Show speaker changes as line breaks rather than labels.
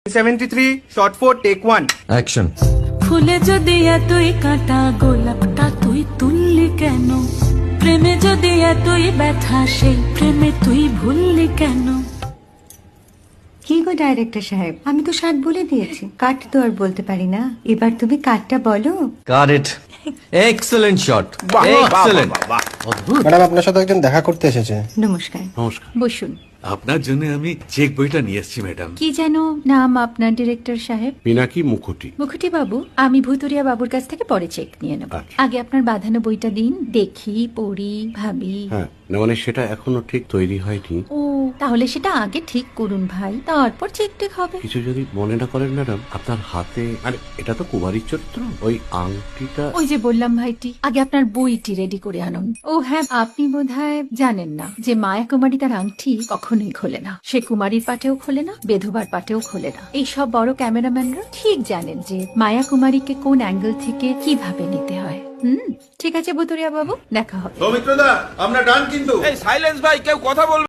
73 shot 4 take 1
action.
ফুলে যদি এতই কাঁটা গোলাপটা তুই তুললি কেন? প্রেমে যদি এতই ব্যথা সেই প্রেমে তুই ভুললি কেন?
কি গো ডাইরেক্টর সাহেব, আমি তো 60 বলে দিয়েছি, কাট তো আর বলতে পারি না, এবার তুমি কাটটা বলো।
Got it. Excellent shot, excellent.
Madam আপনার সাথে একজন দেখা করতে এসেছে।
নমস্কার।
নমস্কার।
বসুন।
আপনার জন্য আমি চেক বইটা নিয়ে এসেছি ম্যাডাম।
কি যেন নাম আপনার ডিরেক্টর সাহেব?
পিনাকি মুখোটি।
মুখুটি বাবু, আমি ভুতুরিয়া বাবুর কাছ থেকে পরে চেক নিয়ে নেব।
আচ্ছা।
আগে আপনার বাঁধানো বইটা দিন, দেখি, পড়ি, ভাবি।
হ্যাঁ, না মানে সেটা এখনো ঠিক তৈরি হয়নি।
ও, তাহলে সেটা আগে ঠিক করুন ভাই, তারপর চেক টেক হবে।
কিছু যদি মনে না করেন ম্যাডাম, আপনার হাতে, আরে এটা তো কুমারীর চরিত্র, ওই আংটিটা।
ওই যে বললাম ভাইটি, আগে আপনার বইটি রেডি করে আনুন। ও হ্যাঁ, আপনি বোধহয় জানেন না যে মায়া কুমারী তার আংটি কখনোই খোলে না। সে কুমারীর পাটেও খোলে না, বেধবার পাটেও খোলে না। এই সব বড় ক্যামেরাম্যানরা ঠিক জানেন যে মায়া কুমারীকে কোন অ্যাঙ্গেল থেকে কিভাবে নিতে হয়। ঠিক আছে ভুতুরিয়া বাবু, দেখা হবে।
সৌমিত্রদা আমরা ডান কিন্তু। এই সাইলেন্স ভাই, কেউ কথা বলবে